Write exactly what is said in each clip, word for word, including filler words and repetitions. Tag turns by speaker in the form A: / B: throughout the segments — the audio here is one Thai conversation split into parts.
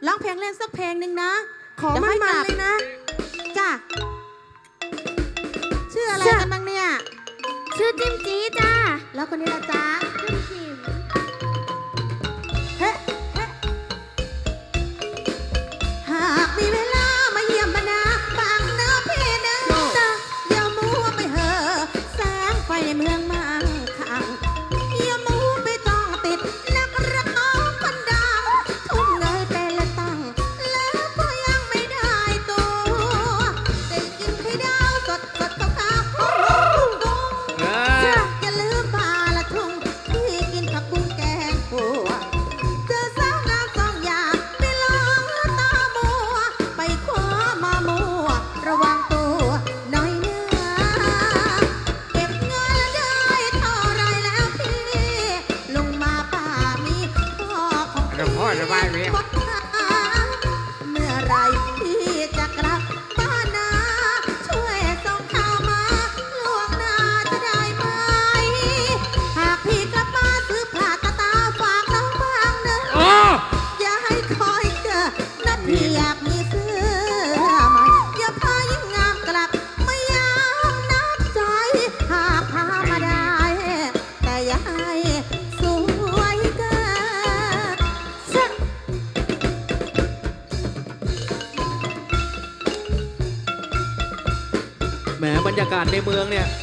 A: ร้องเพลงเล่นสักเพลงหนึ่งนะ
B: ขอมันมาเลยนะ
A: จ้ะชื่ออะไรกันบ้างเนี่ย
B: ชื่อจิมจีจ้า
A: แล้วคนนี้ละจ๊ะ
B: จิมจิม
A: เฮ้เฮ้หากมีเวลามาเยี่ยมบรรดาบางนาพี่นะจ๊ะอย่ามัวไปเห่อแสงไฟเมืองมาขังอย่ามัวไปต้องติดนักร้องคนดังทุ่มเงยเป็นละตั้งแล้วก็ยังไม่ได้ตัวได้กินไข่ดาวสดสดขาวๆของลุงตุ้งอย่าลืมปลาละทุ่งที่กินผักบุ้งแกงขัวเจอสาวงามสองอย่างไปลองตามัวไปคว้ามามัวระวังตัวหน่อยเนื้อเก็บเงินได้เท่าไรแล้วพี่ลงมาป่ามีพ่อของพี่
C: พ่อจะไปไหม
A: วัดหาเมื่อไรพี่จะกลับบ้านนาช่วยส่งข่าวมาล่วงหน้าจะได้ไหมหากพี่กลับมาซื้อผ้าตาตาฝากน้องบ้างเนอะอย่าให้คอยเจอนะพี่อยากมีเสื้อใหม่อย่าพายิ่งงามกลับไม่ยามนับใจหากพามาได้ แต่อย่าให้สวยเกิน
D: แหมบรรยากาศในเมืองเนี่ย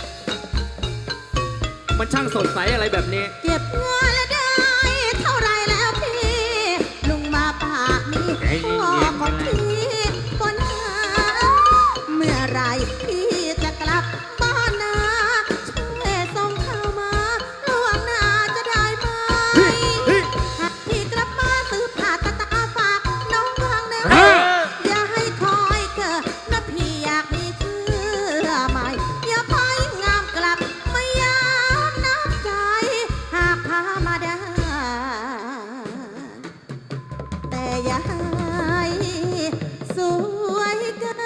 D: มันช่างสดใสอะไรแบบนี้
A: เก็บเงินแล้วได้เท่าไรแล้วพี่ลุงมาปากมีพ่อของพี่บนหาเมื่อไรพี่จะกลับบ้านนาช่วยส่งข่าวมาล่วงหน้าจะได้ไหมหากพี่กลับมาซื้อผ้าตาตาฝากน้องบ้างนะอย่าให้คอยเกิดนะพี่อยากมีเสื้อใหม่อย่าพายิ่งงามกลับไม่ยามนับใจหากพามาได้ แต่อย่าให้สวยเกิน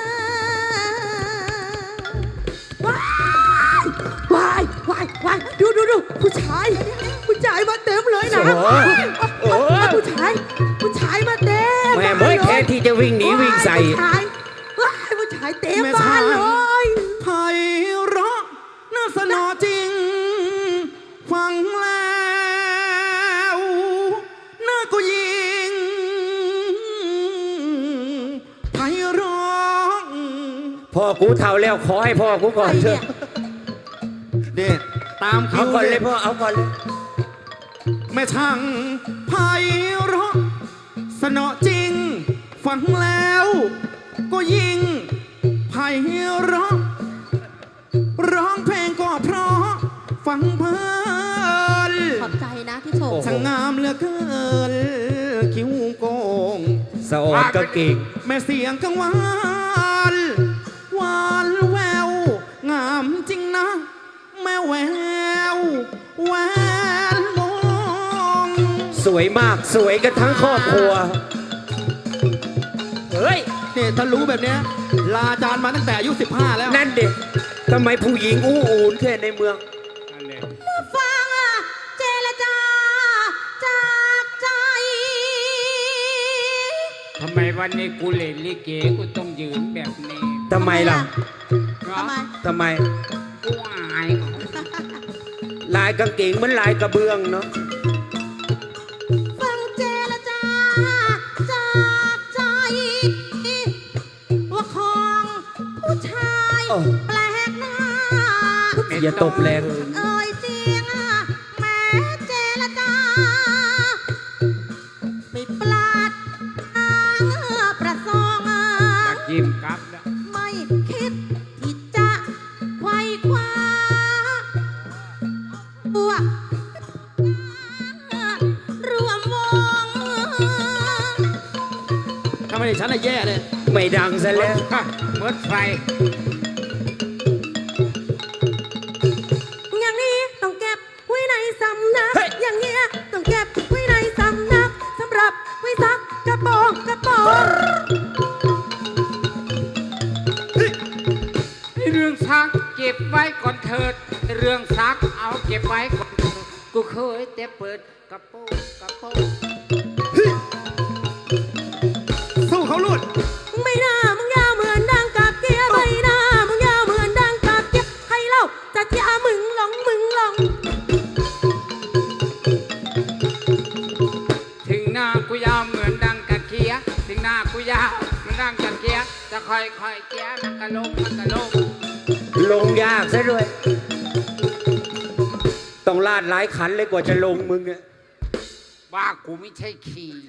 B: ว้ายว้ายว้ายว้ายดูดูดูผู้ชาย ผู้ชายมาเต็มเลยนะ
C: โอ้โห
B: ผู้ชาย ผู้ชายมาเต็ม
C: แม่เมื่อแค่ที่จะวิ่งหนีวิ่งใส่
B: ผู้ชายว้ายผู้ชายเต็มบ้านเลย
D: ไพเราะน่าสนอจริง ฟังแล้วน่าก็ยิงไพเราะ
C: พ่อกูเท่าแล้วขอให้พ่อกูก่อนเถอะ
D: เด็ดตามคิ
C: เอา
D: ว
C: ก่อนเลยพ่อเอาก่อนเลย
D: แม่ช่างไพเราะสนอจริง ฟังแล้วก็ยิงไพเราะร้องเพลงก็เพราะฟังเพลิน
A: ขอบใจนะที่ชม
D: ช่างงามเหลือเกินคิ้วโกง
C: สะออดก็เก่ง
D: แม่เสียงกังวานหวานแวว งามจริงนะ แม่แววแหวนมอง
C: สวยมากสวยกันทั้งครอบครัว เฮ้ย
D: เนี่ยถ้ารู้แบบเนี้ยลาอาจารย์มาตั้งแต่อายุสิบห้าแล้ว
C: นั่นเด็กทำไมผู้หญิงอู้อูนแค่ในเมือง
A: ฟังเจรจาจากใจ
E: ทำไมวันนี้กูเล่นลิเกกูต้องยืนแบบนี้
C: ทำไมล่ะ
A: ทำไม
C: ทำไม
E: กูอายเขา
C: ลายกางเกงเหมือนลายกระเบื้องเนาะ
A: ฟังเจรจาจากใจ ว่าของผู้ชายแปลกหน้า
C: อย่าตบแรง
A: เอ่ยเสียงแม้เจรจาไม่ปลาดทางประสงค์
E: ตะยิ้มกลับแล้ว
A: ไม่คิดที่จะไขว้คว้าตัวร่วมวง
D: ถ้าไม่ได้ฉันน่ะแย่เลย
C: ไม่ดังซะแล้ว
E: ฮะเมิดไฟ
B: อย่างนี้ต้องเก็บไว้ในสำนัก
C: เฮ้ย
B: อย่างเงี้ยต้องเก็บไว้ในสำนักสำหรับไว้ซักกระโปรงกระโปรง
E: เรื่องซักเก็บไว้ก่อนเถิด เรื่องซักเอาเก็บไว้ก่อนเถิดกูเคยแต่เปิดกระโปรงกระโปรง
B: อย่ามึงหลงมึงหลง
E: ถึงหน้ากูยาวเหมือนดังกะเคียถึงหน้ากูยาวเหมือนดังกะเคียจะค่อยค่อยๆเจียมันกะลงมันกะลง
C: ลงยากซะด้วย ต้องลาดหลายขันเลยกว่าจะลงมึงอะ
E: ว่ากูไม่ใช่ขี่